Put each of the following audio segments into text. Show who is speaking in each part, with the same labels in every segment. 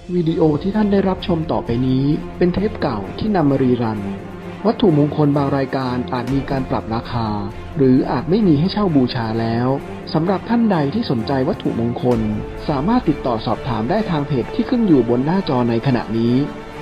Speaker 1: วิดีโอที่ท่านได้รับชมต่อไปนี้เป็นเทปเก่าที่นำมารีรันวัตถุมงคลบางรายการอาจมีการปรับราคาหรืออาจไม่มีให้เช่าบูชาแล้วสำหรับท่านใดที่สนใจวัตถุมงคลสามารถติดต่อสอบถามได้ทางเพจที่ขึ้นอยู่บนหน้าจอในขณะนี้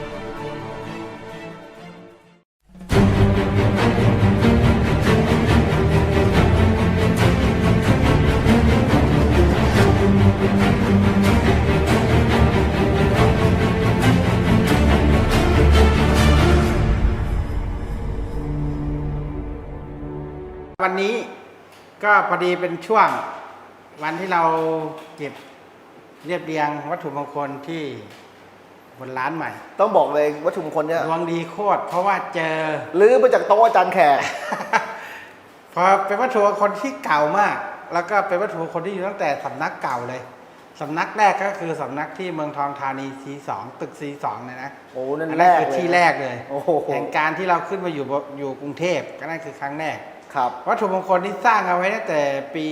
Speaker 2: วันนี้ก็พอดีเป็นช่วงวันที่เราเก็บเรียบเรียงวัตถุมงคลที่บนร้านใหม่
Speaker 3: ต้องบอกเลยวัตถุมงคลเนี่ย
Speaker 2: ดวงดีโคตรเพราะว่าเจอ
Speaker 3: ลื้อมาจากโต๊ะอาจารย์แขก
Speaker 2: พอเป็นวัตถุมงคลที่เก่ามาก แล้วก็เป็นวัตถุมงคลที่อยู่ตั้งแต่สำนักเก่าเลยสำนักแรกก็คือสำนักที่เมืองทองธานี C2 ตึก C2 เนี่ยนะ
Speaker 3: โอ้นั่น
Speaker 2: อัน
Speaker 3: แร
Speaker 2: นั้น
Speaker 3: ก
Speaker 2: คือ
Speaker 3: เลย
Speaker 2: ที่แรกเลย
Speaker 3: โอ้โห
Speaker 2: แห่งการที่เราขึ้นมาอยู่กรุงเทพก็นั่นคือครั้งแรก
Speaker 3: ครับ
Speaker 2: วัตถุมงคลที่สร้างเอาไว้ตั้งแต่ปี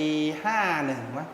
Speaker 2: 51มั้ง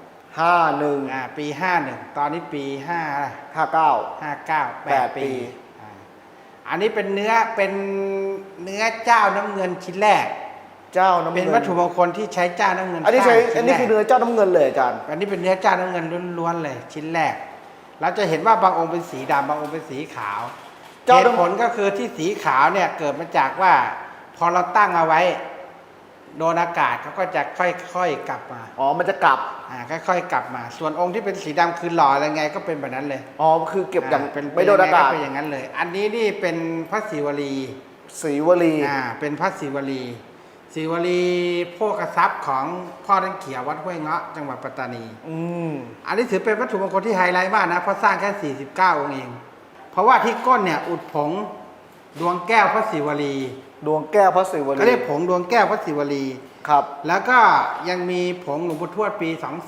Speaker 3: 51
Speaker 2: ปี51ตอนนี้ปี5
Speaker 3: 59
Speaker 2: 59
Speaker 3: 8
Speaker 2: 8ปีอันนี้เป็นเนื้อเจ้าน้ำเงินชิ้นแรก
Speaker 3: เจ้าน้ำเงิน
Speaker 2: เป็นวัตถุมงคลที่ใช้เจ้าน้ำเงิน
Speaker 3: อันนี้ใช้
Speaker 2: สร้าง
Speaker 3: อันนี้คือเนื้อเจ้าน้ำเงินเลยอาจารย์
Speaker 2: อันนี้เป็นเนื้อเจ้าน้ำเงินล้วนๆเลยชิ้นแรกเราจะเห็นว่าบางองค์เป็นสีดำบางองค์เป็นสีขาวเหตุผลก็คือที่สีขาวเนี่ยเกิดมาจากว่าพอเราตั้งเอาไว้โดนอากาศเขาก็จะค่อยๆกลับมา
Speaker 3: อ๋อมันจะกลับ
Speaker 2: ค่อยๆกลับมาส่วนองค์ที่เป็นสีดำคือหล่ออะไรไงก็เป็นแบบนั้นเลย
Speaker 3: อ๋อคือเก็บอย่าง
Speaker 2: เป็น
Speaker 3: ไม่โดนอากาศ
Speaker 2: เป็นอย่างนั้นเลย อันนี้นี่เป็นพระศิวลี
Speaker 3: ศรีวลี
Speaker 2: เป็นพระศิวลีศิวลีโภคทรัพย์ของพ่อท่านเขียววัดห้วยเงาะจังหวัดปัตตานีอันนี้ถือเป็นวัตถุมงคลที่ไฮไลท์มากนะเพราะสร้างแค่49องค์เองเพราะว่าที่ก้นเนี่ยอุดผงดวงแก้วพระศิวลี
Speaker 3: ดวงแก้วพระศิวลี
Speaker 2: ก็เรียกผงดวงแก้วพระศิวลี
Speaker 3: ครับ
Speaker 2: แล้วก็ยังมีผงหลวงปู่ทวดปี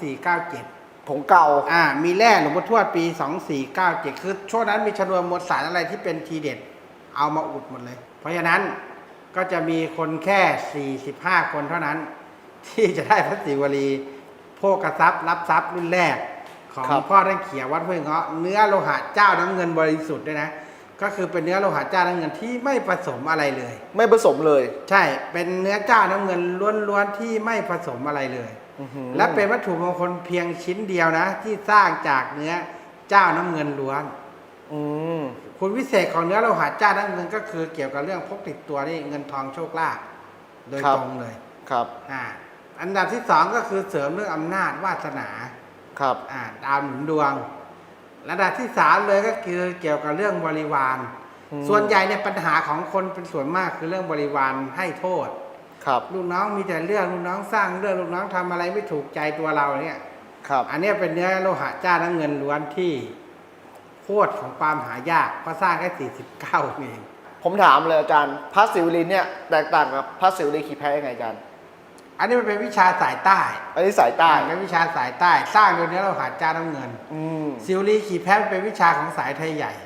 Speaker 2: 2497
Speaker 3: ผงเก่า
Speaker 2: มีแร่หลวงปู่ทวดปี2497คือช่วงนั้นมีชนวนมวลสารอะไรที่เป็นทีเด็ดเอามาอุดหมดเลยเพราะฉะนั้นก็จะมีคนแค่45คนเท่านั้นที่จะได้พระศิวลีโภคทรัพย์รับทรัพย์รุ่นแรกของพ่อท่านเขียววัดห้วยเงาะเนื้อโลหะเจ้าน้ำเงินบริสุทธิ์ด้วยนะก็คือเป็นเนื้อโลหะเจ้าน้ำเงินที่ไม่ผสมอะไรเลย
Speaker 3: ไม่ผสมเลย
Speaker 2: ใช่เป็นเนื้อเจ้าน้ำเงินล้วนๆที่ไม่ผสมอะไรเลยและเป็นวัตถุมงคลเพียงชิ้นเดียวนะที่สร้างจากเนื้อเจ้าน้ำเงินล้วนคุณวิเศษของเนื้อโลหะเจ้าน้ำเงินก็คือเกี่ยวกับเรื่องพกติดตัวนี่เงินทองโชคลาภโดยตรงเลย
Speaker 3: ครับ
Speaker 2: อันดับที่สองก็คือเสริมเรื่องอำนาจวาสนา
Speaker 3: ครับ
Speaker 2: ดาวหนุนดวงระดับที่สามเลยก็คือเกี่ยวกับเรื่องบริวารส่วนใหญ่เนี่ยปัญหาของคนเป็นส่วนมากคือเรื่องบริวารให้โทษ
Speaker 3: ครับ
Speaker 2: ลูกน้องมีแต่เรื่องลูกน้องสร้างเรื่องลูกน้องทำอะไรไม่ถูกใจตัวเราเนี่ย
Speaker 3: ครับ
Speaker 2: อันนี้เป็นเนื้อโลหะจ้าน้ำเงินล้วนที่โคตรของความหายากเพราะสร้างแค่49เอง
Speaker 3: ผมถามเลยอาจารย์พระศิวลีเนี่ยแตกต่างกับพระศิวลีขี่แพ้ยังไงอาจารย์
Speaker 2: อันนี้มันเป็นวิชาสายใต้
Speaker 3: อันนี้สายใต้
Speaker 2: เป็นวิชาสายใต้สร้างโดยเนื้อโลหะจ้าน้ำเงินศิวลีขี่แพ้เป็นวิชาของสายไทยใหญ่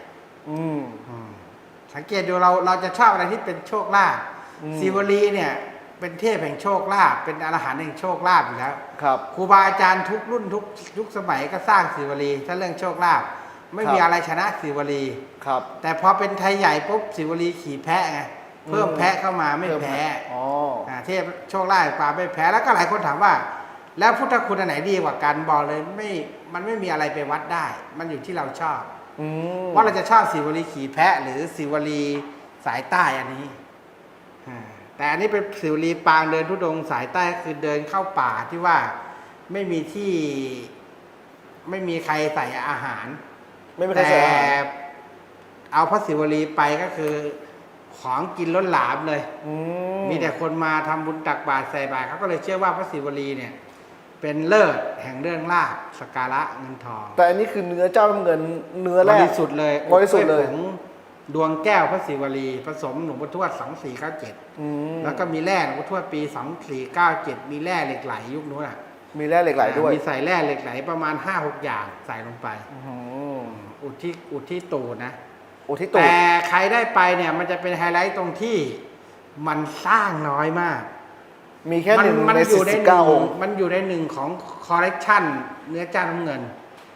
Speaker 2: สังเกตดูเราจะชอบอะไรที่เป็นโชคลาภศิวลีเนี่ยเป็นเทพแห่งโชคลาภเป็นอรหันต์แห่งโชคลาภอยู่แล้ว
Speaker 3: ครับ
Speaker 2: ครูบาอาจารย์ทุกรุ่นทุกยุคสมัยก็สร้างศิวลีถ้าเรื่องโชคลาภไม่มีอะไรชนะศิวลี
Speaker 3: ครับ
Speaker 2: แต่พอเป็นไทยใหญ่ปุ๊บศิวลีขี่แพะไงเพิ่มแพะเข้ามาไม่แพ้เทพโชคลาภกว่าไม่แพ้แล้วก็หลายคนถามว่าแล้วพุทธคุณอันไหนดีกว่ากันบอกเลยมันไม่มีอะไรไปวัดได้มันอยู่ที่เราชอบว่าเราจะชอบศิวลีขี่แพะหรือศิวลีสายใต้อันนี้แต่อันนี้เป็นศิวลีปางเดินธุดงค์สายใต้คือเดินเข้าป่าที่ว่าไม่มีที่ไม่มีใครใส่อาหารแต่เอาพระศิวลีไปก็คือของกินล้นหลามเลยมีแต่คนมาทำบุญตักบาตรใส่บาตรเขาก็เลยเชื่อว่าพระศิวลีเนี่ยเป็นเลิศแห่งเรื่องลาภสักการะเงินทอง
Speaker 3: แต่อันนี้คือเนื้อเจ้าน้ำเงินเนื้อแรก
Speaker 2: บริสุทธิ์เลย
Speaker 3: บริสุทธิ์เลย
Speaker 2: ดวงแก้วพระศิวลีผสมหลวงปู่ทวด2497แล้วก็มีแร่หลวงปู่ทวดปี2497มีแร่เหล็กไหลยุคนู้น
Speaker 3: มีแร่เหล็กไหลด้วย
Speaker 2: มีใส่แร่เหล็กไหลประมาณ 5-6 อย่างใส่ลงไปอุดที่ตูดนะแต่ใครได้ไปเนี่ยมันจะเป็นไฮไลท์ตรงที่มันสร้างน้อยมาก
Speaker 3: มีแค่1 ใน 49 องค์
Speaker 2: มันอยู่ใน1ของคอลเลกชันเนื้อจ้าน้ำเงิน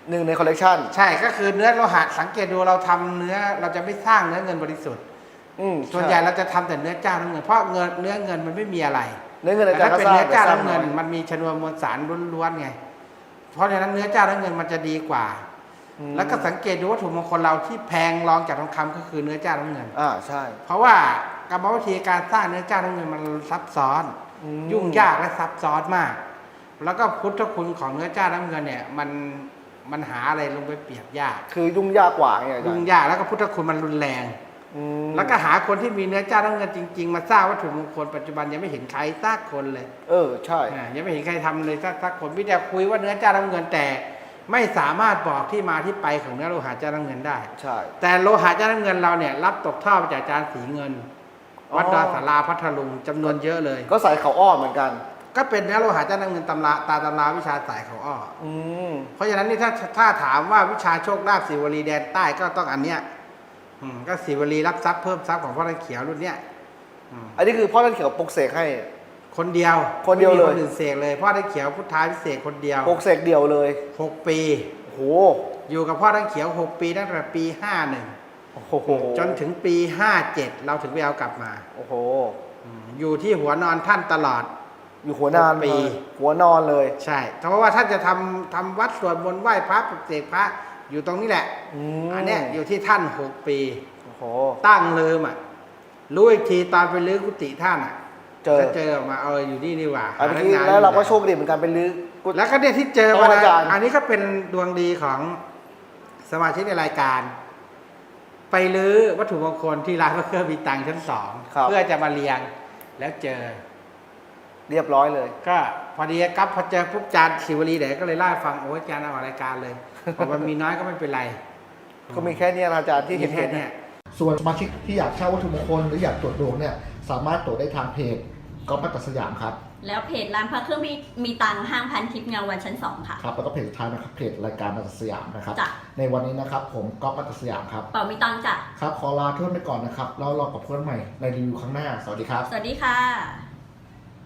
Speaker 3: 1 ในคอลเลกชัน
Speaker 2: ใช่ก็คือเนื้อโลหะสังเกตดูเราทำเนื้อเราจะไม่สร้างเนื้อเงินบริสุทธิ์ส่วนใหญ่เราจะทำแต่เนื้อเจ้าน้ำเงินเพราะเนื้อเงินมันไม่มีอะไร
Speaker 3: เนื้อเงินอา
Speaker 2: แต่
Speaker 3: จารย์
Speaker 2: ถ้า
Speaker 3: ก็
Speaker 2: เป็น
Speaker 3: สร้าง
Speaker 2: เนื้อเจ้า
Speaker 3: แต่สร้าง
Speaker 2: น้ำเงิ
Speaker 3: น้
Speaker 2: น
Speaker 3: อย
Speaker 2: มันมีชนวนมวลสารล้วนๆไงเพราะฉะนั้นเนื้อเจ้าน้ำเงินมันจะดีกว่า แล้วก็สังเกตดูวัตถุมงคลเราที่แพงรองจากทองคำก็คือเนื้อเจ้าน้ำเงิน
Speaker 3: ใช่
Speaker 2: เพราะว่ากรรมวิธีการสร้างเนื้อเจ้าน้ำเงินมันซับซ้อน ยุ่งยากและซับซ้อนมาก แล้วก็พุทธคุณของเนื้อเจ้าน้ำเงินเนี่ยมันหาอะไรลงไปเปรียบยาก
Speaker 3: คือยุ่งยากกว่าไงอาจาร
Speaker 2: ยุ่ง
Speaker 3: ย์
Speaker 2: ยากแล้วก็พุทธคุณมันรุนแรง แล้วก็หาคนที่มีเนื้อเจ้าน้ำเงินจริงๆมาสร้างวัตถุมงคลปัจจุบันยังไม่เห็นใครสักคนเลย
Speaker 3: ใช่
Speaker 2: ยังไม่เห็นใครทำเลยสักคนพี่แต่คุยว่าเนื้อเจ้าน้ำเงินแต่ไม่สามารถบอกที่มาที่ไปของเนื้อโลหะเจ้าน้ำเงินได้
Speaker 3: ใช่
Speaker 2: แต่โลหะเจ้าน้ำเงินเราเนี่ยรับตกทอดมาจากอาจารย์สีเงิน วัดดอนสาราพัทลุงจำนวนเยอะเลย
Speaker 3: ก็ใส่เขาอ้อเหมือนกัน
Speaker 2: ก็เป็นเนื้อโลหะเจ้าน้ำเงินตำราวิชาสายเขาอ้อ
Speaker 3: ม
Speaker 2: เพราะฉะนั้นนี่ถ้าถามว่าวิชาโชคลาภศิวลีแดนใต้ก็ต้องอันเนี้ยก็ศิวลีรับทรัพย์เพิ่มทรัพย์ของพ่อท่านเขียวรุ่นเนี้ย
Speaker 3: อันนี้คือพ่อท่านเขียวปลุกเสกให้
Speaker 2: คนเดียว
Speaker 3: คนเดียวเลย
Speaker 2: ไม่มีคนอื่นเสกเลยพ่อท่านเขียวพุทธาพิเศษคนเดียว
Speaker 3: ปลุกเสกเดียวเลย
Speaker 2: 6 ปี
Speaker 3: โอ้โห
Speaker 2: อยู่กับพ่อท่านเขียว6 ปีตั้งแต่ปี
Speaker 3: โอ้โห
Speaker 2: 51จนถึงปี 57เราถึงไปเอากลับมา
Speaker 3: โอ้โห
Speaker 2: อยู่ที่หัวนอนท่านตลอด
Speaker 3: อยู่หัวนาน
Speaker 2: ปี
Speaker 3: เลยหัวนอนเลย
Speaker 2: ใช่เพราะว่าท่านจะทำวัดสวดมนต์ไหว้พระปลุกเสกพระอยู่ตรงนี้แหละ อันเนี้ยอยู่ที่ท่าน6 ปี
Speaker 3: โอ้โห
Speaker 2: ตั้งเลิมรู้อีกทีตอนไปลื้อกุฏิท่าน
Speaker 3: เจอ
Speaker 2: ก็เจอออกมาอยู่นี่ว่า
Speaker 3: อันนี้แล้วเราก็โชคดีเหมือนกันเป็นลื้อกุฏิ
Speaker 2: แล้วก็เนี่ยที่เจอมา
Speaker 3: อาจารย์
Speaker 2: อันนี้ก็เป็นดวงดีของสมาชิกในรายการ ไปลื้อวัตถุมงคลที่ร้านพระเครื่องมีตังค์ชั้น 2เพื่อจะมาเรียงแล้วเจอ
Speaker 3: เรียบร้อยเลย
Speaker 2: ก็พอดีครับพอเจอปุ๊บจานศิวลีเดี๋ยวก็เลยเล่าให้ฟังโอ้ยจานเอาออกรายการเลยบอกมันมีน้อยก็ไม่เป็นไร
Speaker 3: ก็มีแค่เนี้ยนะอาจารย์ที่เห็น
Speaker 2: มีแค่เนี้ย
Speaker 4: ส่วนสมาชิกที่อยากเช่าวัตถุมงคลหรืออยากตรวจดวงเนี่ยสามารถตรวจได้ทางเพจก๊อฟมัตตสยามครับ
Speaker 5: แล้วเพจร้านพระเครื่องมีตังค์ห้างพันทิพย์เงาวันชั้น 2 ค่ะ
Speaker 4: ครับแล้วก็เพจสุดท้ายนะครับเพจรายการมัตตสยามนะครับ
Speaker 5: จ้ะ
Speaker 4: ในวันนี้นะครับผมก๊อฟมัตตสยามครับ
Speaker 5: เป่ามีตังค์จ้ะ
Speaker 4: ครับขอลาเพื่อนไปก่อนนะครับแล้วรอกับเพื่อนใหม่ในรีวิวครั้งหน้าสวัสดีครับ
Speaker 5: สวัสดีค่ะ